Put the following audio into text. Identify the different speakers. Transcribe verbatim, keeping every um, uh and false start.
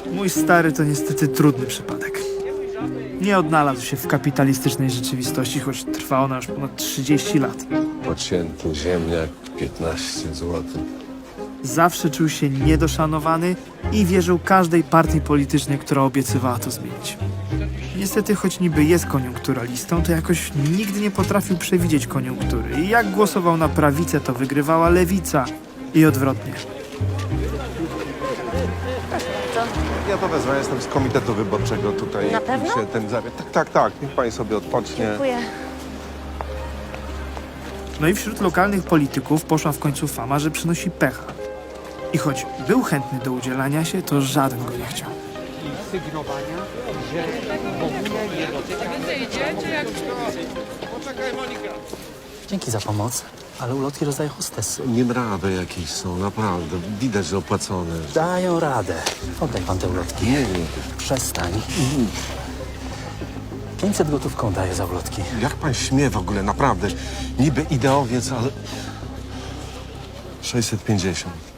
Speaker 1: Mój stary to niestety trudny przypadek. Nie odnalazł się w kapitalistycznej rzeczywistości, choć trwa ona już ponad trzydzieści lat.
Speaker 2: Pocięty ziemniak, piętnaście złotych.
Speaker 1: Zawsze czuł się niedoszanowany i wierzył każdej partii politycznej, która obiecywała to zmienić. Niestety, choć niby jest koniunkturalistą, to jakoś nigdy nie potrafił przewidzieć koniunktury. I jak głosował na prawicę, to wygrywała lewica i odwrotnie.
Speaker 3: Ja to wezmę, jestem z komitetu wyborczego tutaj.
Speaker 4: Na pewno?
Speaker 3: Się ten zawie... Tak, tak, tak. Niech pani sobie odpocznie.
Speaker 4: Dziękuję.
Speaker 1: No i wśród lokalnych polityków poszła w końcu fama, że przynosi pecha. I choć był chętny do udzielania się, to żaden go nie chciał.
Speaker 5: Sygnowania, że w ogóle nie dotyka.
Speaker 6: Dzięki za pomoc, ale ulotki rozdaje hostesy.
Speaker 2: Niemrawe jakieś są, naprawdę. Widać, że opłacone.
Speaker 6: Dają radę. Oddaj pan te ulotki.
Speaker 2: Nie, nie.
Speaker 6: Przestań. pięćset gotówką daję za ulotki.
Speaker 3: Jak pan śmie w ogóle, naprawdę. Niby ideowiec, ale...
Speaker 2: sześćset pięćdziesiąt.